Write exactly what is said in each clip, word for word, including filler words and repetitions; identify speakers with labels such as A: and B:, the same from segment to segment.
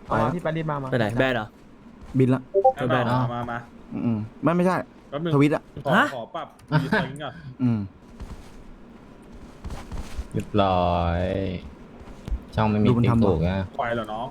A: อ๋อที่ปารีสมามา
B: ไปไหนแบนเหรอ
C: บินละ
B: ไม่เป็นไรเนอะ
D: มามา
C: อืมไม่ไม่ใช่
D: แป๊บนึง
C: ทวิตอ่ะ
D: ขอ
B: ฮะ
D: ขอปรับรีไซน์ก่อน
C: อืม
E: เรียบร้อยช่องไม่มี
C: ดูมัน
E: ติ๊ก
C: ทำ
E: ถูกนะ
D: ควายเหรอน้อง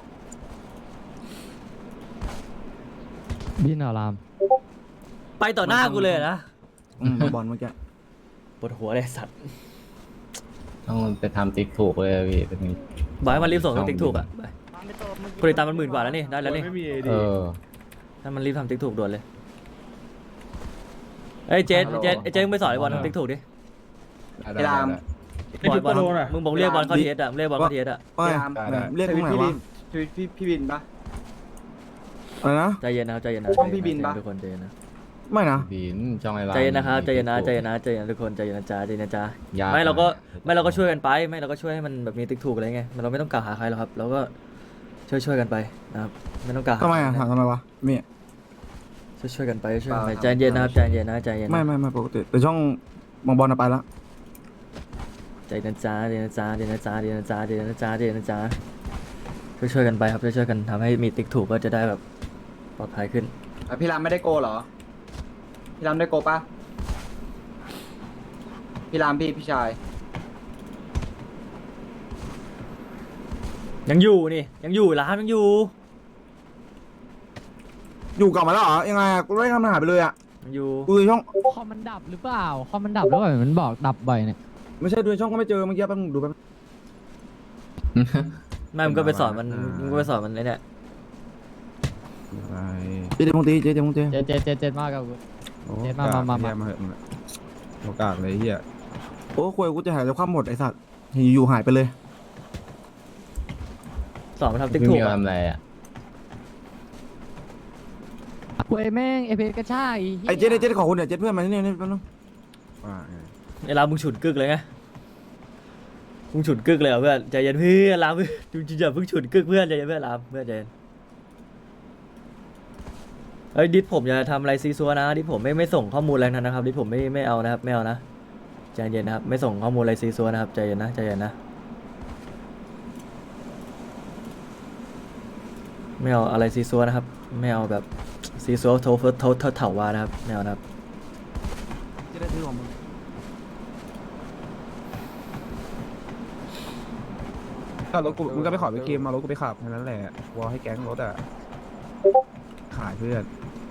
F: บินเหรอราม
B: ไปต่อหน้ากูเลยนะ
C: อืมบอลเมื่อกี้
B: ปวดหัวเลยสัตว์
E: ต้องไปทำติ๊กถูกเลยพี่เป็น
B: บอกให้มันรีบส่งติ๊กถูกอ่ะไปคนติดตามมันหมื่นกว่าแล้วนี่ได้แล้วนี่
D: ไม่มีเอ
E: เอ
D: ดี
E: อ
B: ถ้ามันรีบทำติ๊กถูกด่วนเลยเอ้ยเจ๊เจ๊เจ๊มึงไปสอนไอ้บอลทำติ๊กถูกดิ
E: ไอ้ราม
D: ไอ้จุด
B: บอล
D: โปรน่ะ
B: มึงบอกเรียกบอลเข้าทีเอสอ่ะมึงเรียกบอลเข้าทีเอสอ่ะ
C: เอ้ยเรียกตรงไหนวะ
A: พี่พี่พี่บินปะ
C: อะไรนะ
B: ใจเย็นนะครับใจเย็นนะ
A: ช่องพี่บินปะ
B: ทุกคนใจเย็นนะ
C: ไม่นะ
E: บินช่องไอ้ราม
B: ใจเย็นนะครับใจเย็นนะ
E: มี
B: ใจ
E: ติ๊ก
B: เย็นนะใจเย็นนะทุกคนใจเย็นนะจ๊ะใจเย็นนะจ๊ะ
E: ยาก
B: ไม่เราก็
E: นะ
B: ไม่เราก็ช่วยกันไปไม่เราก็ช่วยให้มันแบบมีติ๊กถูกอะไรเงี้ยเราไม่ต้องกล่าวหาใครหรอกครับเราก็ช่วยช่วยกันไปนะครับไม่ต้องกล่าวหา
C: ทำไมอ่ะถามทำไมวะมี
B: ช่วยช่วยกันไปช่วยกันไปใจเย็นนะครับใจเย็นนะใจเย็นนะ
C: ไม่ไม่ไม่ปกติแต่ช่องมองบอลน่ะไปละ
B: ใจเย็นนะจ๊ะใจเย็นนะจ๊ะใจเย็นนะจ๊ะใจเย็นนะจ๊ะใจเย็นนะจ๊ะใจเย็นนะจ๊ะช่วยช่วยกันไปครับช่วยช่วยกันทำให้มีติ๊กถูกก็จะได้แบบปลอดภัยขึ้น
A: อ่ะพี่รามไม่ได้โกเหรอพี่รามได้โกปะพี่รามพี่พี่ชาย
B: ยังอยู่นี่ยังอยู่ร้านยังอยู่
C: อยู่กลับมาแล้วเหรอยังไงอะกูไม่ทำหายไปเลยอ่ะ
B: ยังอยู่
C: กูดูช่อง
F: คอมมันดับหรือเปล่าคอมมันดับแล้วแบบมันบอกดับบ่อยเนี่ย
C: ไม่ใช่ดูช่องก็ไม่เจอเมื่อกี้แป๊บนึงดูแป๊บ
B: ไม่มึงก็ไปสอนมันมึงก็ไปสอนมันไอ้เนี่ย
C: เจ๊เจ๊พงตีเจ๊เจ๊พงตี
F: เจ็ดเจ็ดเจ็ดเจ็ดมากกับกู เจ็ดมามามามา
G: มาเหอะมึงอะโอกาสเลยเฮีย
C: โอ้คุยกูจะหายจากความหมดไอ้สัตว์อยู่ๆหายไปเลย
B: สอนมันทำติ๊ก
E: ไม่
B: ถู
E: มี
B: ก
E: ทำ
B: อะ
E: อะไรอ่ะ
F: กูไอ้แม่งเอเพกระชาก
C: ไอ้เจ๊เจ๊ขอคุณเดี๋ยวเจ๊เพื่อนมาที่นี่นี่แป๊บนึง
G: ว่าไง
B: ไอ้ลามึงฉุดกึกเลยไงมึงฉุดกึกเลยเหรอเพื่อนใจเย็นเพื่อนลามเพื่อนจริงๆอย่าเพิ่งฉุดกึกเพื่อนใจเย็นเพื่อนลามเพื่อนใจเย็นเฮ้ยดิสผมอย่าทำอะไรซีซัวนะดิสผมไม่ไม่ส่งข้อมูลอะไรทั้งนั้นนะครับดิสผมไม่ไม่เอานะครับไม่เอานะใจเย็นนะครับไม่ส่งข้อมูลอะไรซีซัวนะครับใจเย็นนะใจเย็นนะไม่เอาอะไรซีซัวนะครับไม่เอาแบบซีซัวโทเฟิร์สโทเทเถาวานะครับไม่เอานะครับ
C: เจ๊ได้ซื้อของมึง
G: ถ้ารถกูมึงก็ไปขอไปเคลมมารถกูไปขับแค่นั้นแหละวอให้แก๊งรถอ่ะขายเพื่อน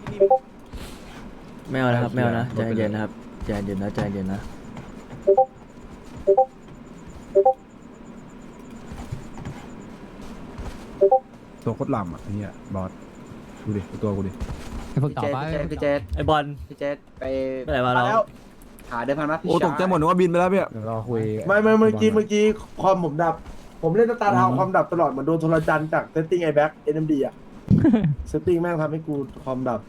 B: ไม่เอานะครับไม่เอานะใจ
G: ลดไปเลย
B: เย็นนะครับใจเย็นนะใจเย็นนะ
G: ตัวโคตรลำอ่ะไอ้เฮียบอสดูดิดูตัวกูดิ
F: ไอ้พวก
A: พี่
F: ต่อ
A: เจ
F: ไป
A: ษพี่เจษ
B: ไอบอล
A: พี่เจษไป
B: ไปไหนมาเรา
A: แล้วหาเดิมพันมาพี่
C: โอ้ตกใจหมดนึกว่าบินไปแล้วพี่
G: เดี๋ยวรอคุย
H: ไม่ไม่เมื่อกี้เมื่อกี้ความผมดับ ผมเล่นสตาร์ทาวน์ความดับตลอดเหมือนโดนโทรจันทร์จากเซตติ้งไอแบ็กเอ็นเอ็มดีอ่ะ เซตติ้งแม่งทำให้กูความดับ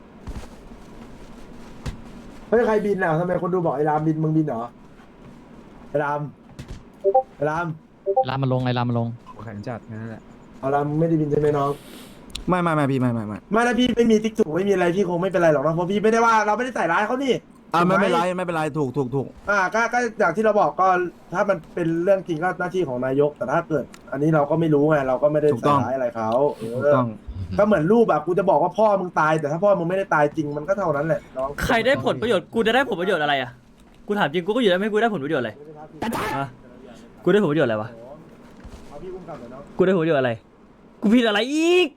H: เฮ้ยใครบินอ่ะทำไมคนดูบอกไอ้รามบินมึงบินเหรอไอ้รามไอ้ราม
F: ลามมาลงไอ้ลามมาลง
G: แข่งจัดแค่นั้นแหละ
H: เอารามมึงไม่ได้บินใช่ไหมน้อง
C: ไม่ไม่ไม่พี่ไม่ไม่ไม่
H: ไม่แล้วพี่ไม่มีติ๊กถูกไม่มีอะไรพี่คงไม่เป็นไรหรอกนะเพราะพี่ไม่ได้ว่าเราไม่ได้ใส่ร้ายเขานี่
C: อ่าไม่
H: ถูกห
C: เป็นไรไม่เป็นไรถูกถูกถูก
H: อ่าก็ก็อย่างที่เราบอกก็ถ้ามันเป็นเรื่องจริงก็หน้าที่ของนายก แต่ถ้าเกิด อันนี้เราก็ไม่รู้ไงเราก็ไม่ได้ใส่ร้ายอะไรเขาเอ
C: ถูก
H: อ
C: ต้อง
H: ก็เหมือนรูปแบบกูจะบอกว่าพ่อมึงตาย แต่ถ้าพ่อมึงไม่ได้ตายจริงมันก็เท่านั้นแหละน้อง
B: ใครได้ผลประโยชน์กูจะได้ผลประโยชน์อะไรอ่ะกูถามจริงกูก็อยู่ได้ไม่กูได้ผลประโยชน์อะไรฮะกูได้ผลประโยชน์อะไรวะ
H: เอาพี่อุ้มกลับหน่อยน้อง
B: กูได้ผลประโยชน์อะไรกูผิดอะไรอีก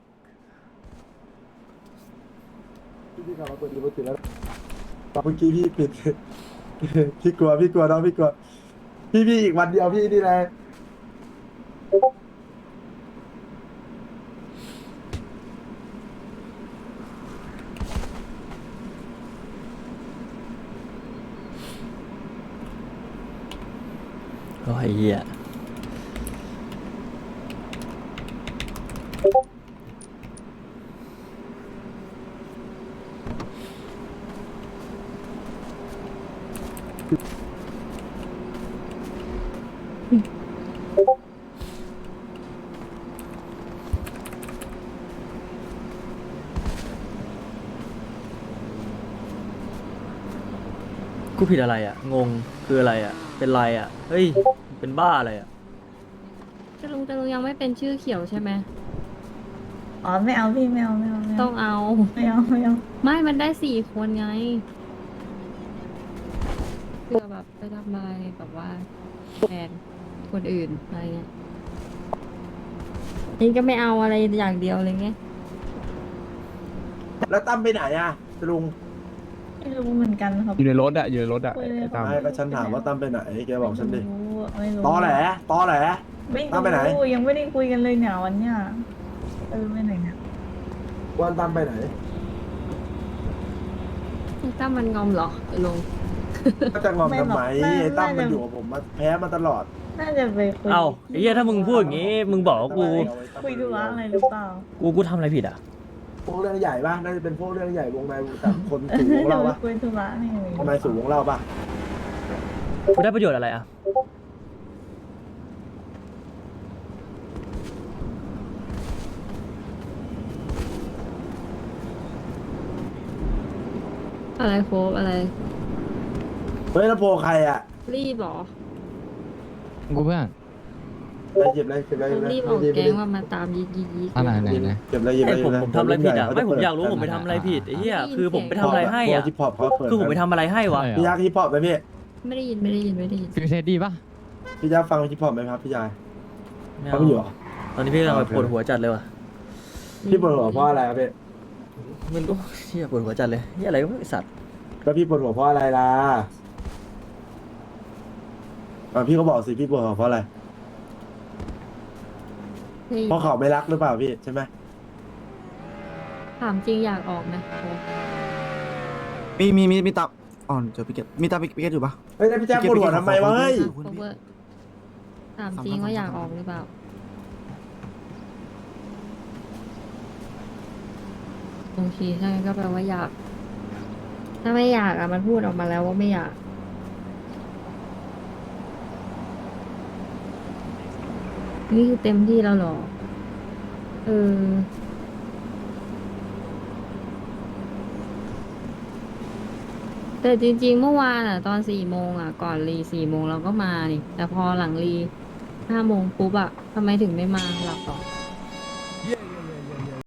H: พี่พี่กลับมาเปิดดูมือถือแล้วตอนเมื่อกี้พี่ปิด พี่กลัวพี่กลัวน้องพี่กลัวพี่พี่อีกวันเดียวพี่นี่แหละ
B: โอ้ยเหี้ยกูผิดอะไรอ่ะงงคืออะไรอ่ะเป็นไรอ่ะเฮ้ยเป็นบ้าอะไรอ่ะ
I: จะลุงจะลุงยังไม่เป็นชื่อเขียวใช่ไหมอ๋อไม่เอาพี่ไม่เอาไม่เอาไม่
J: ต้
I: เอา
J: องเอา
I: ไม่เอาไม่เอา
J: ไม่มันได้สี่คนไงเพื่อแบบไปทำอะไรแบบว่าแทนคนอื่นอะไรเงี้ยนี่ก็ไม่เอาอะไรอย่างเดียวเลยไง
H: แล้วตั้มไปไหนอ่ะลุง
I: ไม่รู้เหมือนกันครับ
G: อยู่ในรถอะอยู่ในรถอะ
I: คุยเลย
G: ไอ้ตาม
H: ไม่ก็ฉันถามว่าตั้มไปไหนแกบอกฉันดิ
I: ไม่รู้ไม่รู้
H: ตอแหลตอแหล
I: ไม่
H: ตั้มไปไหน
I: รู้ยังไม่ได้คุยกันเลยเนี่ยวันเนี้ยเออไปไหนเนี่ย
H: วันตั้มไปไหน
J: ไอ้ตั้มมันงอมเหรอไอ้ลุง
H: ก็จะงอมทำไมไอ้ตั้มมันอยู่กับผมมาแพ้มาตลอด
I: น่าจะไปคุย
B: เอ้าไอ้เหี้ยถ้ามึงพูดอย่างงี้ มึงบอกว่ากู
I: คุยธุระอะไรหรือเปล่า
B: กูกูทำอะไรผิดอ่ะ
H: พวกเรื่องใหญ่ป่ะน่าจะเป็นพวกเรื่องใหญ่วงในวงต่างคนสูงวงเราป่ะ
I: คุยธุระนี่
H: ทำไมสูงวงเราป่ะ
B: กูได้ประโยชน์อะไรอ่ะ
J: อะไรโคบอะไร
H: เฮ้ยแล้วโพใครอ่ะ
J: รีบเหรอ
F: กูเพื่อน
H: ไปเก็บเลยเก็บเลยเก็บเลย
J: รีบออกแก๊งว่ามาตามยิกยิกยิก
F: อะไรไหนไหน
H: เก็บเลยเก็บ
B: ไอ้
H: เลย
B: ผมผมทำอะไรผิดอ่ะ ไม่ผมอยากรู้ผมไปทำอะไรผิดไอ้เหี้ยคือผมไปทำอะไรให้อ่ะ
H: ฮิปฮอปเขาเปิด
B: คือผมไปทำอะไรให้วะ
H: พี่ยักษ์ฮิปฮอปไหมพี่
J: ไม่ได้ยินไม่ได้ยินไม่ได้ยิน
F: ฟิวเซตดีปะ
H: พี่ยักษ์ฟังฮิปฮอปไหมครับพี่ชาย
B: ไม่
H: เขา
B: เอา
H: ไม่อยู่เหรอ
B: ตอนนี้พี่กำลังแบบปวดหัวจัดเลยว่ะ
H: พี่ปวดหัวเพราะอะไรครับพี่
B: ไมันก็เหี้ยปวดหัวจัดเลยเหี้ยอะไรก็ไม่รู้ไอ้สัตว์
H: แล้วพี่ปวดหัวเพราะอะไรล่ะอ่ะพี่ก็บอกสิพี่ปวดหัวเพราะอะไร
J: ได้ยิน
H: เพราะเขาไม่รักหรือเปล่าพี่ใช่ไหม
J: ถามจริงอยากออกไหมโคบ
C: มีมีมีมีตับอ่อนเจอพิกเก็ตมีตับพิกเก็ตอยู่ปะ
H: เฮ้ยแล้วพี่แจ๊คปวดหัวทำไมวะเฮ้ย
J: โคเวอร์ถามจริงว่าอยากออกหรือเปล่าโอเคถ้างั้นก็แปลว่าอยาก ถ้าไม่อยากอ่ะมันพูดออกมาแล้วว่าไม่อยาก นี่คือเต็มที่แล้วเหรอ เออ แต่จริงๆ เมื่อวานอ่ะ ตอนสี่โมงอ่ะ ก่อนรีสี่โมงเราก็มานี่ แต่พอหลังรีห้าโมงปุ๊บอ่ะทำไมถึงไม่มาหลับต่อ